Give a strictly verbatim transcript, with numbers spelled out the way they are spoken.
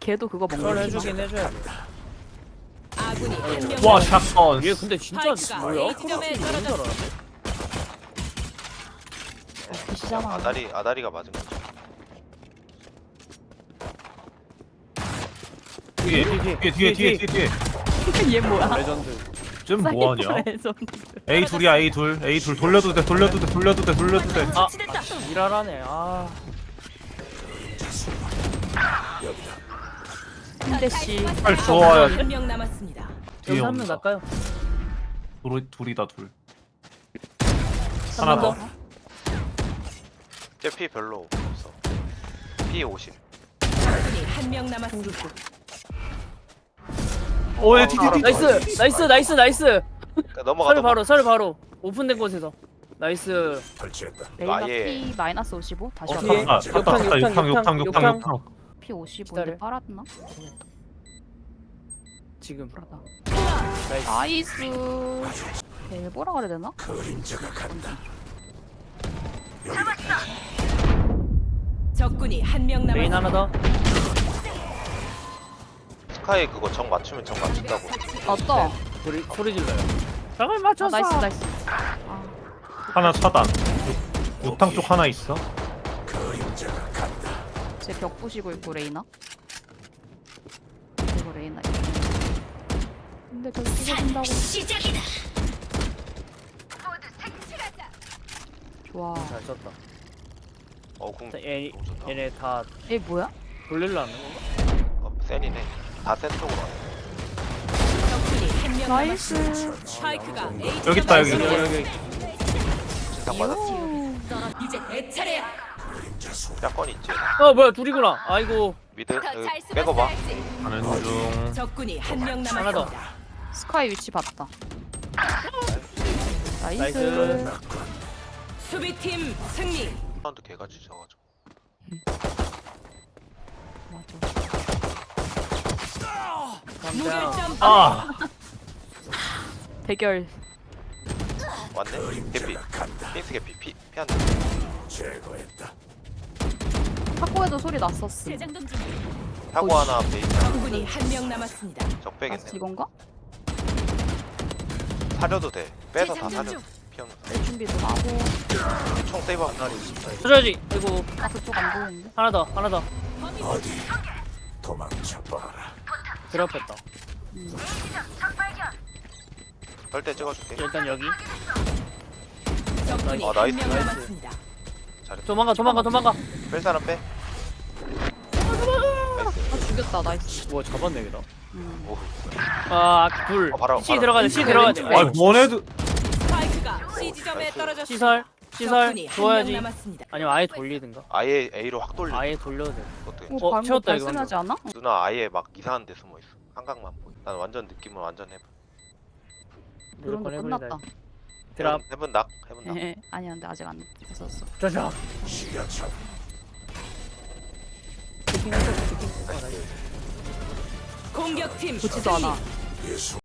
걔도 그거 그걸 먹는 해주긴 해줘야 돼. 아군이 한 명. 와 샷건. 얘 근데 진짜 스파이크가 뭐야? A 지점에 너무 떨어졌어. 잘하네. 비시잖아. 아다리 아다리가 맞은 거죠. 뒤에 뒤에 뒤에 뒤에 뒤에 뒤에. 얘 뭐야? 레전드. 좀 뭐하냐? 사이퍼에서. A 둘이야 A 둘 A 둘 돌려도 돼 돌려도 돼 돌려도 돼 돌려도 돼. 아, 일하라네. 아, 한대씨. 빨리 좋아야 돼. 한명 남았습니다. 뒤에 여기 한명 온다. 날까요? 둘 둘이다 둘. 한 하나 명 더. 제 피 별로 없어. 피 오십. 아군이 한 명 남았습니다. 오예 아, 티티티. 나이스, 나이스, 나이스, 나이스. 그러니까 넘어가. 설 넘어가. 바로, 설 바로. 오픈된 곳에서. 나이스. 레이나 아예. P 마이너스 오십오 다시 어, 한번. 뒤에? 아 갔다 갔다 욕탕, 욕탕 욕탕, 욕탕 욕탕 욕탕. 욕탕. P 오십오인데 기다려. 빨았나? 지금. 불하다. 나이스. 나이스. 얘 뭐라 그래야 되나? 적군이 한 명 메인 남았습니다. 하나 더. 스카이 그거 정 맞추면 정 맞춘다고. 맞다. 소리, 소리 질러요. 정을 아, 맞췄어. 나이스 나이스. 아, 하나 차단. 욕탕 쪽 하나 있어. 제 벽 부시고 있고 레이나. 그리고 레이나. 있고. 근데 저기 부서진다고. 시작이다. 좋아. 잘 썼다. 어 궁. 얘, 너무 좋다. 얘네 다 얘 뭐야? 돌릴라는 건가? 어, 센이네. 다센 쪽으로 왔네. 적군이 한 명 나이스. 남았습니다. 스파이크가 A 여기 있다, 여기. 지점에 여기, 여기. 진상 맞았어. 떨어 이제 내 차례야. 약건 있지. 어, 뭐야, 둘이구나. 아이고. 미드 여기 빼고 봐. 가는 중. 적군이 한 명 하나 더. 남았습니다. 스카이 위치 봤다. 나이스. 나이스. 수비팀 승리. 사운드 개같이 져가지고. 맞아. 무결점. 아 대결. 왔네. 개피. 핑스 개피. 피 피한다. 탁구에도 소리 났었음. 재장전 중. 사고 하나 베이스. 적군이 한 명 남았습니다. 아, 적배겠네. 이건가? 사려도 돼. 빼서 다 재장전 사려. 중. 피하면. 내 준비도 하고. 총 세이브 한 마리. 쳐줘야지. 아이고. 아 그쪽 안 보이는데? 하나 더, 하나 더. 도망쳐봐라. 드랍했다. 절대 찍어줄게. 일단 여기. 적군이 아, 한 나이스, 명 나이스. 남았습니다. 잘했다. 도망가, 도망가, 도망가. 뺄 사람 빼. 아 죽였다 나이스. 뭐 잡았네, 걔다. 음. 오. 아, 둘. 어, 바로, C 바로. 들어가야 돼, C 들어가야 돼. 아 뭐네도. 스파이크가 C 지점에 나이스. 떨어졌습니다. 시설, 시설. 적군이 한 명 줘야지. 남았습니다. 아니면 아예 돌리든가. 아예 A로 확 돌려. 아예 돌려도 돼. 어떻게? 어, 어, 방금 채웠다, 이거 발소리하지 않아? 누나 아예 막 이상한 데 숨어 있어. 한각만 보여. 난 완전 느낌은 완전 해븐. 드론도 무조건 끝났다. 해버리다. 드랍. 해븐 낙. 해븐 낙. 아니야 근데 아직 안 됐었어. 짜자. 시야차. 공격팀 보지도 않아. 예수.